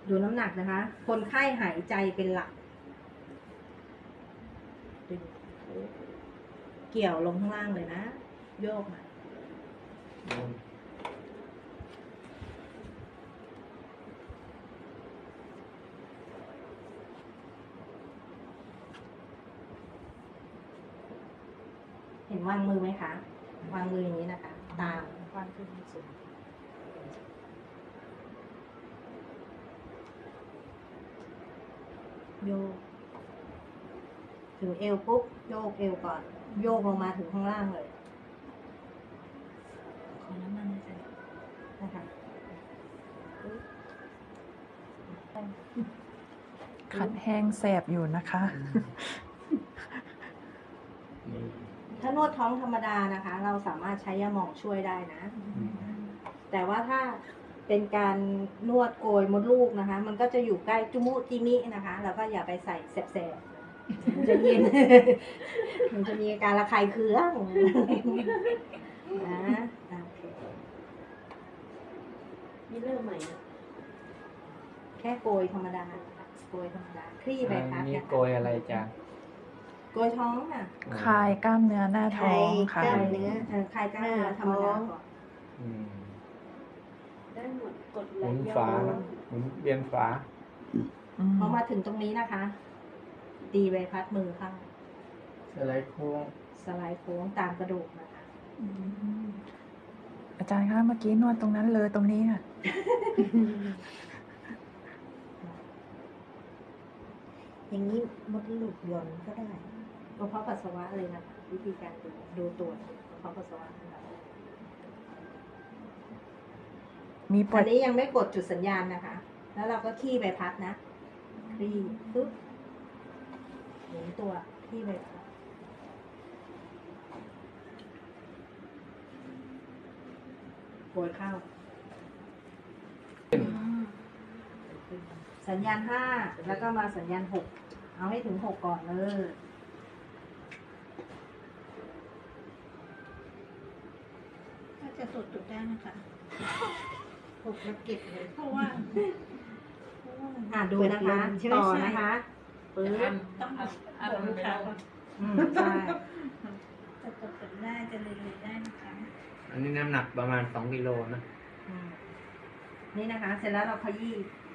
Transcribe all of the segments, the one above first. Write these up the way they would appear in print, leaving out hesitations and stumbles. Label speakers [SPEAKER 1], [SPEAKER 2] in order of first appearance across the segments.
[SPEAKER 1] ดูน้ำหนักนะคะ คนไข้หายใจเป็นหลักดึงเกี่ยวลงข้างล่างเลยนะ โยกมาเห็นวางมือไหมคะ วางมืออย่างนี้นะคะ ตามวางขึ้นสูงโยกถึงเอวปุ๊บโยกเอวก่อน โยกลงมาถึงข้างล่างเลยขอน้ำมันใส่นะคะ
[SPEAKER 2] ขัดแห้งแสบอยู่นะคะ
[SPEAKER 1] ถ้านวดท้องธรรมดานะคะ เราสามารถใช้ยาหมองช่วยได้นะ แต่ว่าถ้าเป็นการนวดโกยมดลูกนะคะ มันก็จะอยู่ใกล้จุมุจิมินะคะเราก็อย่าไปใส่แสบๆมันจะเย็น มันจะมีอาการระคายเคืองนะโอเค
[SPEAKER 3] นี่เริ่มใหม่นะ
[SPEAKER 1] แค่โกยธรรมดาโกยธรรมดาคลี่ใบพัด
[SPEAKER 4] นี่
[SPEAKER 1] นะคะ
[SPEAKER 4] โกยอะไรจ้ะ
[SPEAKER 1] โกยท้องค่ะ
[SPEAKER 2] คลายกล้ามเนื้อหน้าท้องค่ะ
[SPEAKER 1] คลายเนื้อคลายกล้ามเนื้อธรรมดาก่อน
[SPEAKER 4] อืม
[SPEAKER 3] ได้หมดกด
[SPEAKER 4] ห
[SPEAKER 3] ไหล
[SPEAKER 4] มุน
[SPEAKER 3] ย้
[SPEAKER 4] ฝา
[SPEAKER 3] อน
[SPEAKER 4] หมุนเวียนฝา
[SPEAKER 1] พอมาถึงตรงนี้นะคะ ตีใบพัดมือเข้า
[SPEAKER 4] สไลด์โค้ง
[SPEAKER 1] สไลด์โค้งตามกระดูกนะคะ
[SPEAKER 2] อาจารย์คะเมื่อกี้นวดตรงนั้นเลยตรงนี้ค่ะ
[SPEAKER 1] อย่างนี้มดลูกหย่อนก็ได้กระเพาะปัสสาวะเลยนะคะวิธีการดูตรวจกระเพาะปัสสาวะนะคะ
[SPEAKER 2] มีปว
[SPEAKER 1] อั
[SPEAKER 2] ด
[SPEAKER 1] นนี้ยังไม่กดจุดสัญญาณนะคะ แล้วเราก็ขี้ใบพัดนะคลี่ปึ๊บหมุนตัวขี้ใบพัดโกยเข้า สัญญาณ5แล้วก็มาสัญญาณ6เอาให้ถึง6ก่อนเลย
[SPEAKER 3] ถ้าจะตรวจจุดได้นะคะ
[SPEAKER 1] 6แล้วเก็บเลย
[SPEAKER 3] เพราะว่า
[SPEAKER 1] ดูนะคะต่อนะคะปึ๊บ
[SPEAKER 3] ต้องเอาลูกค้าก่อน
[SPEAKER 1] ใช่
[SPEAKER 3] จะตรวจจุดได้จะเรียนรู้ได้นะคะ
[SPEAKER 4] อันนี้น้ำหนักประมาณ2กิโลนะ
[SPEAKER 1] นี่นะคะ เสร็จแล้วเราขยี้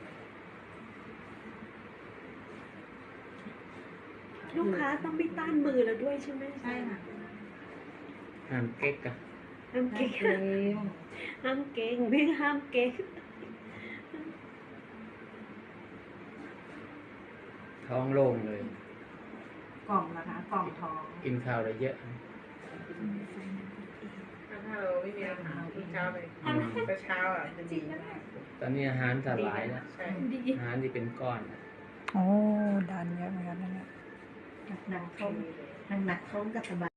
[SPEAKER 3] ลูกค้าต้องไม่ต้านมือเราด้วยใช่ไหม
[SPEAKER 1] ใช่ค่ะ
[SPEAKER 4] ห้ามเก๊กอะ
[SPEAKER 3] ห้ามเก่ง
[SPEAKER 1] เร็ว
[SPEAKER 3] ห้ามเก่งพี่ห้ามเก่ง
[SPEAKER 4] ท้องโล่งเลย
[SPEAKER 1] กล่องนะคะ กล่องท้อง
[SPEAKER 4] กินข้าวได้เยอะ
[SPEAKER 5] ถ้าเราไม่มีอาหารทุกเช้าเลยเช้าอ่ะจะดีมาก
[SPEAKER 4] ตอนนี้อาหารสลายแล้ว
[SPEAKER 5] ใช่
[SPEAKER 3] ดี
[SPEAKER 4] อาหารที่เป็นก้อน
[SPEAKER 2] โอ้ดันเยอะเหมือนกันนะเนี่ย
[SPEAKER 1] หนักท้องหนักท้องกับสบาย